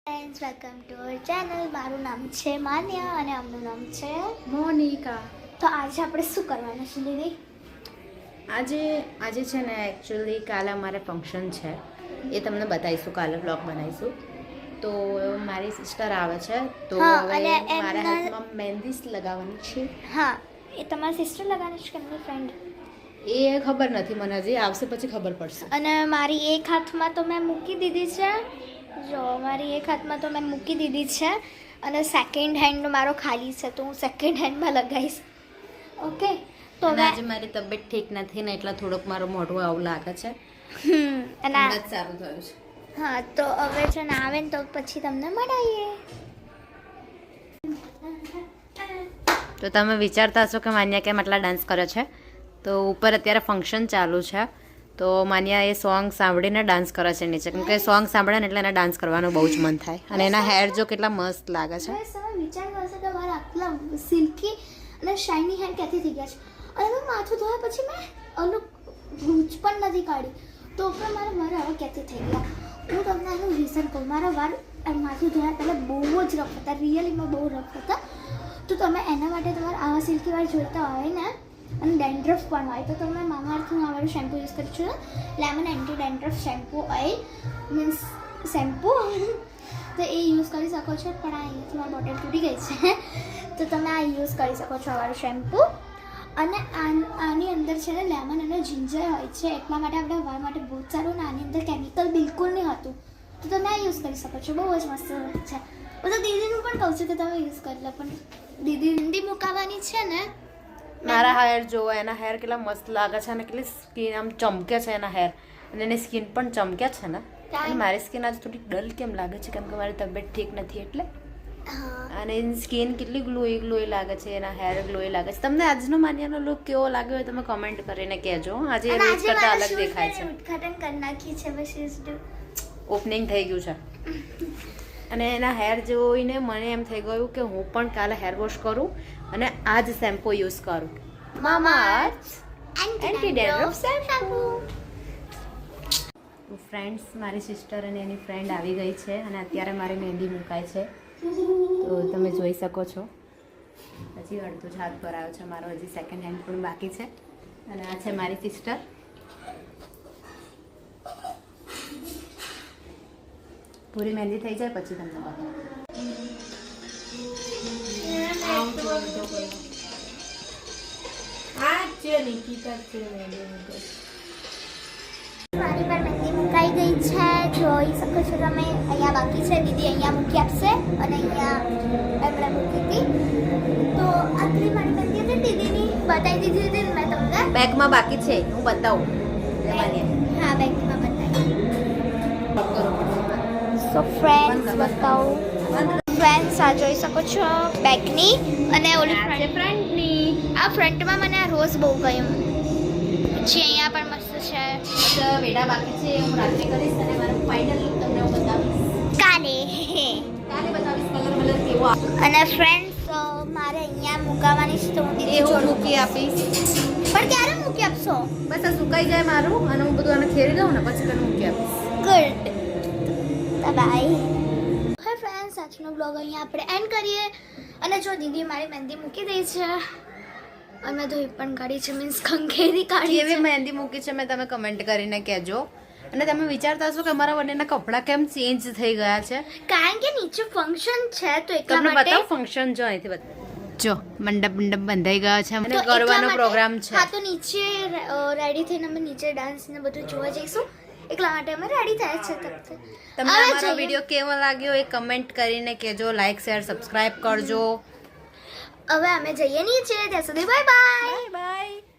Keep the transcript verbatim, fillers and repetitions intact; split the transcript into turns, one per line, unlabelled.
Friends welcome to our channel. મારું નામ છે માન્યા અને આમનું નામ છે
મોનિકા.
તો આજે આપણે શું કરવાનું છે દીદી?
આજે આજે છે ને એકચ્યુઅલી કાલે અમારે ફંક્શન છે, એ તમને બતાવીશું, કાલે બ્લોગ બનાવીશું. તો મારી સિસ્ટર આવે છે તો હવે મારા હાથમાં મહેંદી લગાવવાની છે.
હા, એ તમારી સિસ્ટર લગાવવાની છે કે એમની ફ્રેન્ડ?
એ ખબર નથી મને, હજી આવશે પછી ખબર પડશે.
અને મારી એક હાથમાં તો મેં મૂકી દીધી છે. જો મારી એક હાથમાં તો મેં મૂકી દીધી છે અને સેકન્ડ હેન્ડ મારો ખાલી છે, તો હું સેકન્ડ હેન્ડમાં લગાવીશ. ઓકે, તો
આજે મારી તબિયત ઠીક નથી ને એટલે થોડુંક મારું મોઢું આવું લાગે છે.
હમ અને
સારું થયું છે.
હા, તો હવે જો ના આવે ને તો પછી તમને મળાઈએ.
તો તમે વિચારતા હશો કે માન્યા કેમ આટલા ડાન્સ કરે છે, તો ઉપર અત્યારે ફંક્શન ચાલુ છે તો માન્યા એ સોંગ સાંભળીને ડાન્સ કરે છે નીચે, કેમ કે સોંગ સાંભળે ને એટલે એને ડાન્સ કરવાનું બહુ જ મન થાય. અને એના હેર જો કેટલા મસ્ત લાગે છે.
તમે વિચારતા હશો કે મારા આટલા સિલ્કી અને શાઇની હેર ક્યાંથી થઈ ગયા છે, અને મેં માથું ધોયા પછી મેં અલગ ગૂંચ પણ નથી કાઢી, તો પણ મારા મારા હવે ક્યાંથી થઈ ગયા. હું તમને એનું રીઝન કહું. મારા વાળ માથું ધોયા પહેલાં બહુ જ રફ હતા, રિયલીમાં બહુ રફ હતા. તો તમે એના માટે તમારે આવા સિલ્કી વાળ જોઈતા હોય ને અને ડેન્ડ્રફ પણ હોય તો તમે મામાઅર્થનું આ વાળું શેમ્પૂ યુઝ કરી છું, lemon anti dandruff shampoo oil means shampoo, તો એ યુઝ કરી શકો છો. પણ આ અહીંયાથી મારી બોટલ તૂટી ગઈ છે, તો તમે આ યુઝ કરી શકો છો, આ વાળું શેમ્પૂ. અને આની અંદર છે ને લેમન અને જિંજર હોય છે, એટલા માટે આપણા વાળ માટે બહુ જ સારું. અને આની અંદર કેમિકલ બિલકુલ નહીં હતું, તો તમે આ યુઝ કરી શકો છો. બહુ જ મસ્ત છે. હું તો દીદીનું પણ કહું છું કે તમે યુઝ કરી લો, પણ દીદી હિન્દી મુકાવવાની છે ને.
મારા હેર જોવો, એના હેર કેટલા મસ્ત લાગે છે અને કેટલી સ્કિન આમ ચમકે છે એના હેર, અને એની સ્કિન પણ ચમકે છે ને. અને મારી સ્કિન આજે થોડી ડલ કેમ લાગે છે, કેમ કે મારી તબિયત ઠીક નથી એટલે. અને એની સ્કિન કેટલી ગ્લોઈ ગ્લોઈ લાગે છે, એના હેર ગ્લોઈ લાગે છે. તમને આજનો માન્યાનો લુક કેવો લાગ્યો હોય તમે કમેન્ટ કરીને કહેજો. આજે રોજ કરતા અલગ દેખાય છે.
ઉદ્ઘાટન કરી નાખી છે, બસ
ઓપનિંગ થઈ ગયું છે. અને એના હેર જોઈને મને એમ થઈ ગયું કે હું પણ કાલે હેર વોશ કરું અને આ જ શેમ્પૂ યુઝ કરું, Mamaearth anti dandruff shampoo. Friends, મારી સિસ્ટર અને એની ફ્રેન્ડ આવી ગઈ છે અને અત્યારે મારી મહેંદી મુકાય છે, તો તમે જોઈ શકો છો. હજી અડધો જ હાથ પર આવ્યો છે મારો, હજી સેકન્ડ હેન્ડ પણ બાકી છે. અને આ છે મારી સિસ્ટર. પૂરી મહેંદી થઈ જાય પછી તમને બતાવું.
મારી પર મહેંદી મુકાઈ ગઈ છે, જોઈ શકો છો તમે. અહીંયા બાકી છે, દીદી અહીંયા મૂકી આપશે અને અહીંયા એમણે મૂકી હતી. તો આટલી મારી મહેંદી હતી, દીદીની બતાવી દીધી હતી મેં તમને.
બેગમાં બાકી છે, હું બતાવું.
હા, બેગમાં બતાવી. સો ફ્રેન્ડ્સ બતાવું. ફ્રેન્ડ્સ આ જોઈ શકો છો બેગની, અને ઓલી ફ્રન્ટની. આ ફ્રન્ટમાં મને આ રોઝ બહુ ગયું. પછી અહીંયા પણ મસ્ત છે.
બસ વેડા બાકી છે, હું રાત્રે કરીશ અને મારું ફાઇનલ લુક તમને હું બતાવીશ
કાલે.
કાલે બતાવીશ કલર કલર કેવો આવે.
અને ફ્રેન્ડ્સ મારે અહીંયા મુકાવવાની છે, તો હું
એ
દીદી
હું મૂકી આપીશ.
પણ ક્યારે મૂકી આપશો?
બસ આ સુકાઈ જાય મારું અને હું બધું આને ખેરી દઉં ને પછી તને મૂકી આપીશ.
Good, bye. હા ફ્રેન્ડ્સ, આજનો બ્લોગ અહીંયા આપણે એન્ડ કરીએ. અને જો દીદી મારી મહેંદી મૂકી દઈ છે અને ધોઈ પણ કાઢી છે, મીન્સ ખંખેરી કાઢી
એવી
છે.
મહેંદી મૂકી છે મેં, તમે કમેન્ટ કરીને કહેજો. અને તમે વિચારતા હશો કે અમારા બંનેના કપડાં કેમ ચેન્જ થઈ ગયા છે,
કારણ કે નીચે ફંક્શન છે, તો એટલા
તમને
માટે.
બતાવો ફંક્શન જો અહીંથી બતાવો. જો મંડપ મંડપ બંધાઈ ગયો છે અને
તો એટલા
ગરબાનો
માટે-
પ્રોગ્રામ છે.
હા, તો નીચે રેડી થઈને અમે નીચે ડાન્સ ને બધું જોવા જઈશું, એટલા માટે અમે રેડી થાય છે. તબ
તમને અમારો વિડીયો કેવો લાગ્યો એ કમેન્ટ કરીને કહેજો. લાઈક શેર સબસ્ક્રાઇબ કરજો.
હવે અમે જઈએ નીચે, ત્યાં સુધી બાય બાય.
Bye bye.